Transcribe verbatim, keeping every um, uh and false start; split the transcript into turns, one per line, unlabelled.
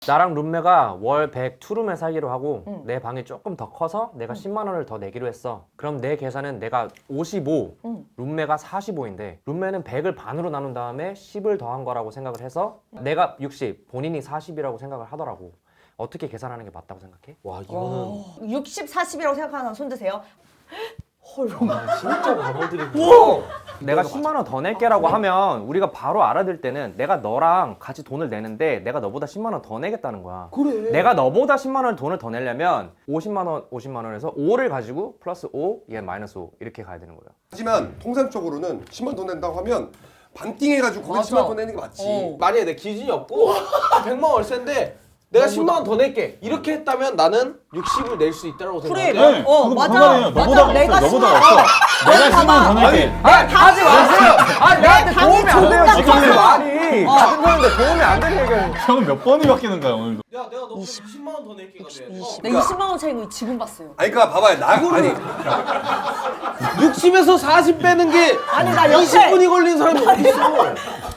나랑 룸메가 월 백 투룸에 살기로 하고
응.
내 방이 조금 더 커서 내가
응.
십만 원을 더 내기로 했어. 그럼 내 계산은 내가 오십오,
응.
룸메가 사십오인데 룸메는 백을 반으로 나눈 다음에 십을 더한 거라고 생각을 해서 내가 육십, 본인이 사십이라고 생각을 하더라고. 어떻게 계산하는 게 맞다고 생각해?
와 이거는
육십, 사십이라고 생각하는 손 드세요. 헐.
진짜 바보들이고.
내가 십만 원 더 낼게라고 하면 우리가 바로 알아들 때는 내가 너랑 같이 돈을 내는데 내가 너보다 십만 원 더 내겠다는 거야.
그래.
내가 너보다 십만 원 돈을 더 내려면 오십만 원, 오십만 원에서 오를 가지고 플러스 오, 얘 마이너스 오 이렇게 가야 되는 거야.
하지만 통상적으로는 십만 돈 낸다고 하면 반띵 해가지고 거기
맞아.
십만 돈 내는 게 맞지.
어.
만약에 내 기준이 없고 백만 월세인데 내가 십만 원 더 낼게 이렇게 했다면 나는 육십을 낼 수 있다고
그래.
생각해.
네,
어,
그거
맞아.
상관이에요.
맞아.
너보다
내가
없어, 너보다
십만
없어.
원.
내가 십만 원 더 낼게.
아니 하지 마세요. 아니 나한테 도움이 안 돼요
존나
지금
커서.
말이.
어.
같은 거는데 도움이 안 되는 얘기야.
형은 몇 번이 바뀌는 거야 오늘도.
야 내가 너보다 이십만 원 더 낼게가 돼.
나 이십만 원 차이인 거 지금 봤어요.
아니 그러니까 봐봐요. 나 아니
육십에서 사십 빼는 게
아니, 나 옆에-
이십 분이 걸린 사람이 어디 있어?